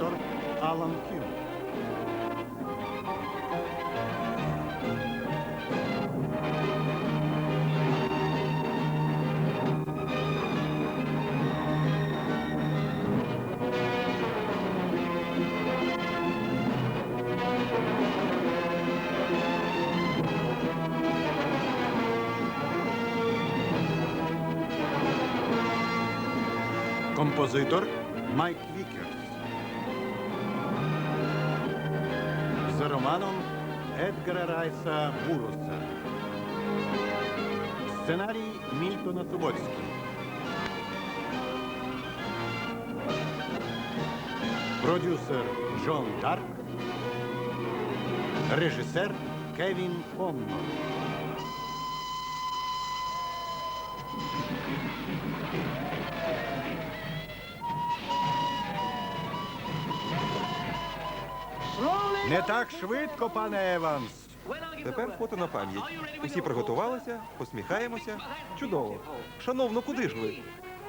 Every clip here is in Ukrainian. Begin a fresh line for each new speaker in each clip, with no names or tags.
композитор Алан Хюм. Композитор Майк Вікерс. За романом Едгара Райса Буруса. Сценарій Мільтона Субоцький. Продюсер Джон Дарк. Режисер Кевін Коннор. Не так швидко, пане Еванс.
Тепер фото на пам'ять. Усі приготувалися, посміхаємося. Чудово. Шановно, куди ж ви?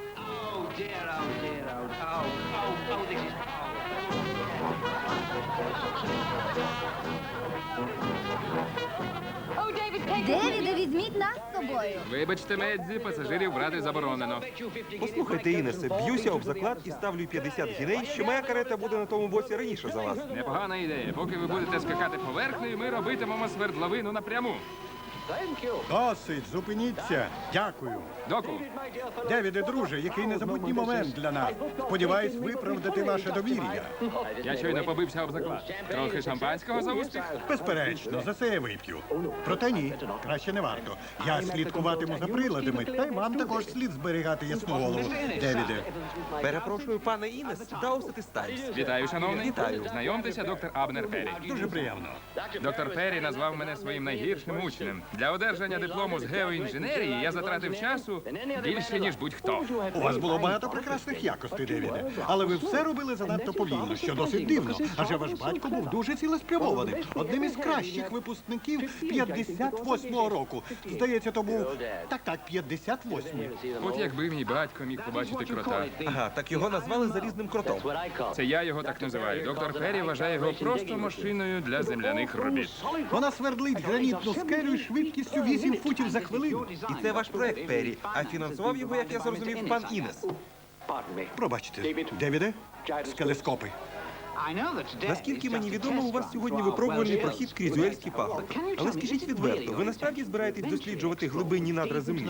Девіде, візьміть нас з собою.
Вибачте, Медзі, пасажирів брати заборонено.
Послухайте, Інесе, б'юся об заклад і ставлю 50 гіней, що моя карета буде на тому боці раніше за вас.
Непогана ідея. Поки ви будете скакати поверхнею, ми робитимемо свердловину напряму.
Досить, зупиніться. Дякую.
Доку,
Девіде, друже, який незабутній момент для нас. Сподіваюсь виправдати ваше довір'я.
я щойно побився об заклад. Трохи шампанського за успіх?
Безперечно, за це я вип'ю. Проте ні, краще не варто. Я слідкуватиму за приладами, та й вам також слід зберігати ясну голову. Девіде.
Перепрошую, пане Інес, Даусет Таймс.
Вітаю, шановний.
Вітаю.
Знайомтеся, доктор Абнер Перрі.
Дуже приємно.
Доктор Перрі назвав мене своїм найгіршим учнем. Для одержання диплому з геоінженерії я затратив часу більше, ніж будь-хто.
У вас було багато прекрасних якостей, Девіде. Але ви все робили занадто повільно, що досить дивно. Адже ваш батько був дуже цілеспрямованим. Одним із кращих випускників 58-го року. Здається, то був... Так, 58-й.
От якби мій батько міг побачити крота.
Ага, так його назвали залізним кротом.
Це я його так називаю. Доктор Перрі вважає його просто машиною для земляних робіт.
Вона свердлить гранітну скелю швидкістю 8 футів за хвилину.
І це ваш проект, Перрі. А фінансував його, як я зрозумів, пан Інес.
Пробачте, Девіде, скелескопи.
Наскільки мені відомо, у вас сьогодні випробувальний прохід крізь Уельський пагорб. Але скажіть відверто, ви насправді збираєтесь досліджувати глибинні надра землі?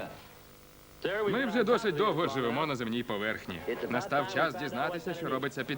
Ми вже досить довго живемо на земній поверхні. Настав час дізнатися, що робиться під